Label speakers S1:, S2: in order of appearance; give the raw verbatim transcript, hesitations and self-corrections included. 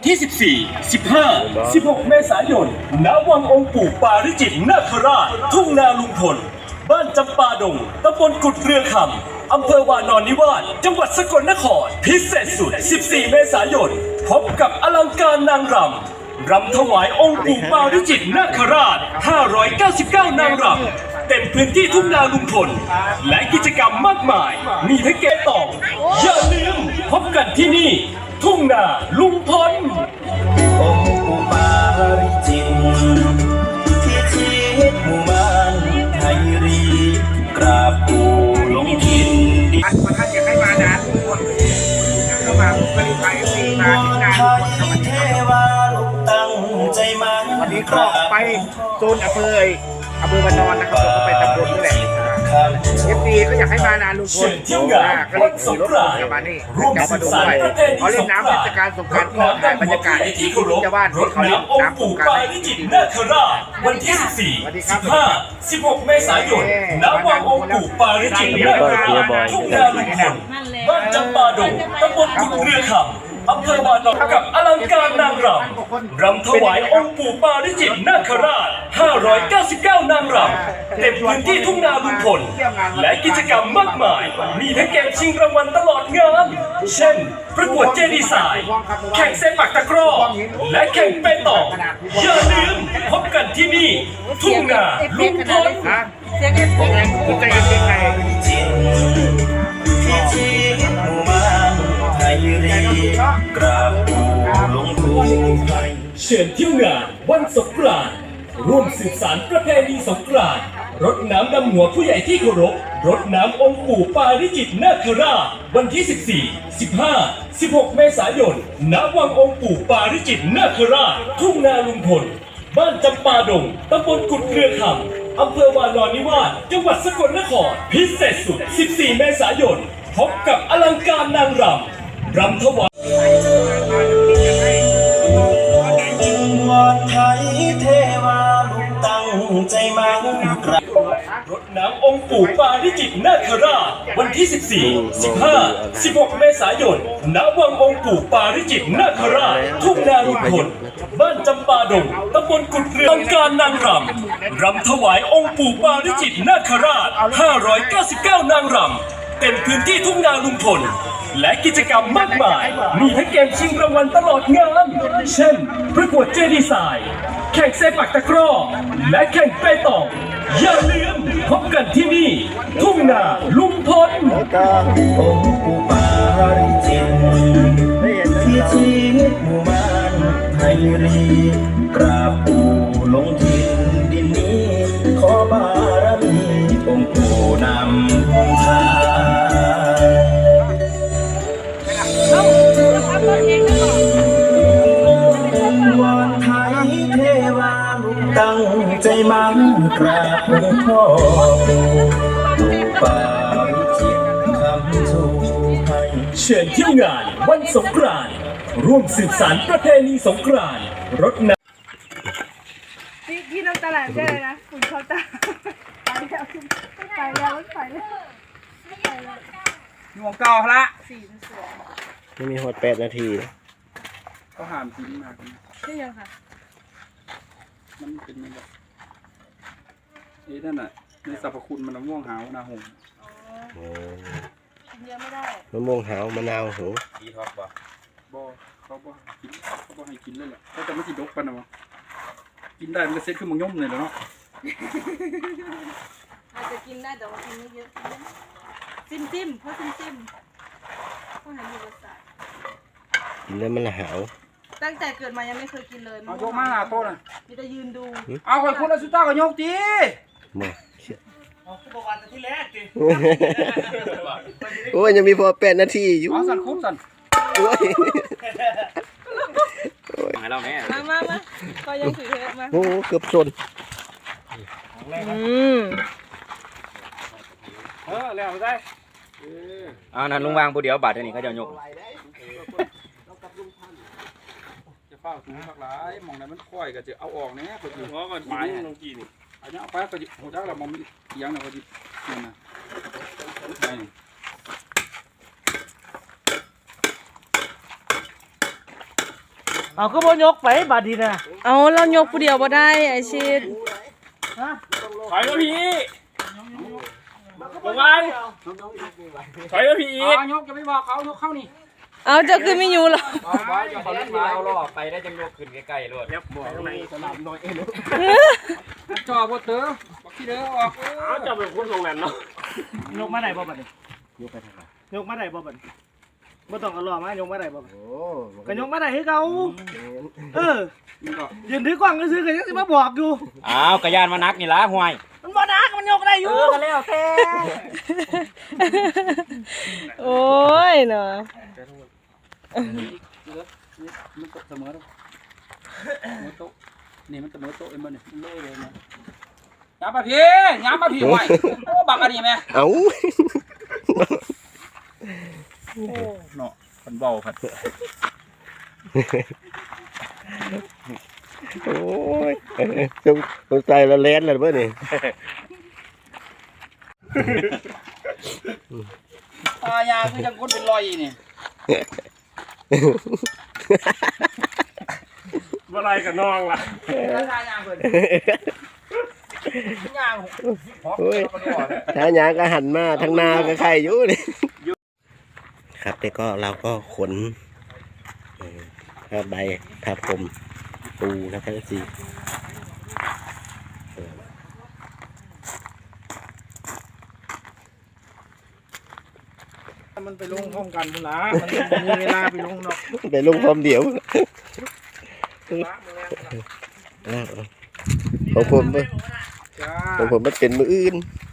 S1: ที่ สิบสี่ สิบห้า สิบหก เมษายน ณ วังองค์ปู่ปาริจิตนาคราช ทุ่งนาลุงพล บ้านจำปาดง ตำบลกุดเรือคำ อำเภอวานอนนิวาส จังหวัดสกลนคร พิเศษสุด สิบสี่ เมษายน พบกับอลังการนางรำ รำถวายองค์ปู่ปาริจิตนาคราช ห้าร้อยเก้าสิบเก้า นางรำ เต็มพื้นที่ทุ่งนาลุงพล และกิจกรรมมากมาย มีทั้งเกตต่ออย่าลืมพบกันที่นี่ ทุ่งนาลุงพล
S2: องค์ปู่ปาริจิตที่ชีวิตหมู่บ้านไทยรีกราบปู่หลงทินดิน
S3: ท่านอยากให้มานะทุกคนเข้ามาบริการฟรีมาที่งานทุกคนครับวัน
S2: เท
S3: นี้
S2: วาลูกตั้งใจมา
S3: วันนี้ก็ไปโซนอำเภออำเภอวานอนนะครับผมก็ไปตำบลนี่แหละเอฟซีก็อยากให้มานานลุงพล
S1: เที่ยวงาน
S3: ก็เลยขี่รถกลับมานี่กลับมาดูด้วยเขาเล่นน้ำเทศกาลสงกรานต์ก็ถ่ายบรรยากาศที่ชาวบ้านที่เขาเล่นน้ำสงกรานต์
S1: ริจิตนาคราชวันที่ สิบสี่ สิบห้า สิบหก เมษายน ณ วังองค์ปู่ปาริจิตนาคราช ทุ่งนาลุงพล บ้านจำปาดง ตำบลกุดเรือคำ อำเภอวานอนกับอลังการนางรำ รำถวายองค์ปู่ปาริจิตนาคราช ห้าร้อยเก้าสิบเก้า นางรำ เต็มพื้นที่ทุ่งนาลุงพล และกิจกรรมมากมาย มีทั้งเกมชิงรางวัลตลอดงาน เช่น ประกวดเจดีไซน์แข่งเซปักตะกร้อ และแข่งเปตองอย่าลืมพบกันที่นี่ ทุ่งนาลุงพล
S3: เสียงเอฟเฟกต์คุณใจเย็นๆไง
S2: จิตที่ชีวิตหมู่บ้านไทยรีกราบปู่หลงทิน
S1: เชิญเที่ยวงานวันสงกรานต์ร่วมสืบสานประเพณีสงกรานต์รดน้ำดำหัวผู้ใหญ่ที่เคารพรดน้ำองค์ปู่ปาริจิตนาคราชวันที่ สิบสี่ สิบห้า สิบหก เมษายน ณ วังองค์ปู่ปาริจิตนาคราช ทุ่งนาลุงพล บ้านจำปาดง ตำบลกุดเรือคำ อำเภอวานอนนิวาส จังหวัดสกลนคร พิเศษสุด สิบสี่ เมษายน พบกับอลังการนางรำ รำถวาย
S2: วอนไทยเทวาลูกตั้งใจมากราบ
S1: รดน้ำองค์ปู่ปาริจิตนาคราชวันที่ สิบสี่ สิบห้า สิบหก เมษายน ณ วังองค์ปู่ปาริจิตนาคราช ทุ่งนาลุงพล บ้านจำปาดง ตำบลกุดเรือองค์การนางรำ รำถวายองค์ปู่ปาริจิตนาคราช ห้าร้อยเก้าสิบเก้า นางรำ เต็มพื้นที่ทุ่งนาลุงพล และกิจกรรมมากมาย มีทั้งเกมชิงรางวัลตลอดงาน เช่น ประกวดเจดีไซน์แข่งเซปักตะกร้อ และแข่งเปตองอย่าลืมพบกันที่นี่ ทุ่งนาลุงพล
S2: องค์ปู่ปาริจิตที่ชีวิตหมู่บ้านไทยรีกราบปู่หลงทินดินนี้ขอบารมีองค์ปู่นำทางวอนไทยเทวาลูกตั้งใจมั่นกราบหลวงพ่อปู่ปู่ปาริจิตคำชูให้
S1: เชิญเที่ยวงานวันสงกรานต์ร่วมสืบสานประเพณีสงกรานต์รดน้ำ
S4: พี่พี่น้ำตาไหลได้เลยนะฝุ่นเข้าตาไปแล้วไปแล้วไปแล้วไปแล้ว
S3: หวงเก่าละ
S4: สีมันสวย
S5: ไม่มีหดแปดนาที
S3: ก็หามกินมาก
S4: ใช่ยังค่ะ
S3: มันเป็นแบบนี่นั่นน่ะในสรรพคุณมันม่วงหาวนาหง
S4: อ๋อกินเยอะไม่ได้
S5: มะม่วงหาวมะนาวหู
S3: บ่เขาบ่กินเขาบ่ให้กินเลยแหละเขาจะไม่ติดดกปันนะวะกินได้มันก็เซ็ตขึ้นมังย่อมเลยแล้วเนาะ
S4: อาจจะกินได้แต่ว่ากินไม่เยอะจิ้มจิ้มเพราะจิ้มจิ้มเพราะเห็นอยู่รสชาติ
S5: กินแล้วมันละหาว
S4: ตั้งแต่เกิดมายังไม่เคยกินเลย
S3: เอายกมาหน้าโต๊ะน่ะ
S4: มีแต่ยืนดู
S3: เอาคนคนละสุดท้ายก็ยกตี
S5: มาเชี่ยโอ้ยยังมีพอแปดนาทีอยู่
S3: เอาสั่นคุ้มสั่น
S5: โอ้ย
S4: มามามาก็ยังถือเทปมา
S5: โอ้เกือบชน
S4: อืม
S3: เออแล้วได้
S6: เอานั่นลุงวางผู้เดียวบาทเท่านี้เขาจะยก
S3: จะเฝ้าถุงสักหลายมองไหนมันค่อยก็จะเอาออกแน่ก็อยู่เพราะมันไม้ลงกี่นี่อันนี้เอาไปก็จะหัวจักเรามองเอียงนะก็จะนี่นะนี่
S7: เอาก็บ่ยกไปบาดดีนะ
S4: เอาเรายกผู้เดียวบ่ได้ไอ้ชิด
S1: ถอยมาพี่ลงมาถอยมาพี่อีก
S3: เอายกจะไม่บอกเขายกเข้านี่
S4: เอาเจะขึ้นไม่อยู่หรอก
S6: เอาไว้จะเขาเล่นมาเอาล่อไปได้จังยกขึ้นใกล้ๆรถ
S3: จ่อบดเต๋อบักที่เด้อออก
S1: เอาจะเป็นคนตรงนั้นเนาะ
S7: ยกมาได้บ่บัดนี้ยกไปทางไหนยกมาได้บ่บัดนี้บ่ต้องเอาล้อมายกมาได้บ่บัดนี้ก็ยกมาได้คือเก่าเออยืนถือกล้องซื้อๆก็ยังสิมาบอกอยู่
S6: อ้าวกระยานมานักนี่ละห่วย
S7: มันบ่นักมันยกได้อยู่เออก็แล้วแต่
S4: โอ้ยเนาะ
S3: มันเสมอแล้วเสมอโต๊ะนี่มันเสมอโต๊ะเอ็มมันนี่เล่เลยนะย้ำมาพี่ย้ำมาพี่ไว้โอ้บักอันนี้แม่
S5: เอ้า
S3: เนาะคนเบาครับ
S5: โอ้ยสงสงสัยละแลนแล้วเบ่นี่
S3: ตายาคือจังคนเป็นรอยนี่
S1: ว่าไรกับน้องล่ะ
S3: ตายาเพิ่นยาง
S5: โอ้ยถ้าหยางก็หันมาทางนาก็ใครอยู่นี่ครับแต่ก็เราก็ขนเอ่อผ้าใบผ้าพรมปูนะครับสิ
S7: มันไปลงพร้อมกันพุ่นล่ะมันบ่มีเวลาไปลงเนาะ
S5: ไปลงพร้อมเดียวของผมเว้ย
S7: จ้า
S5: ของผมมันเป็นมืออื่น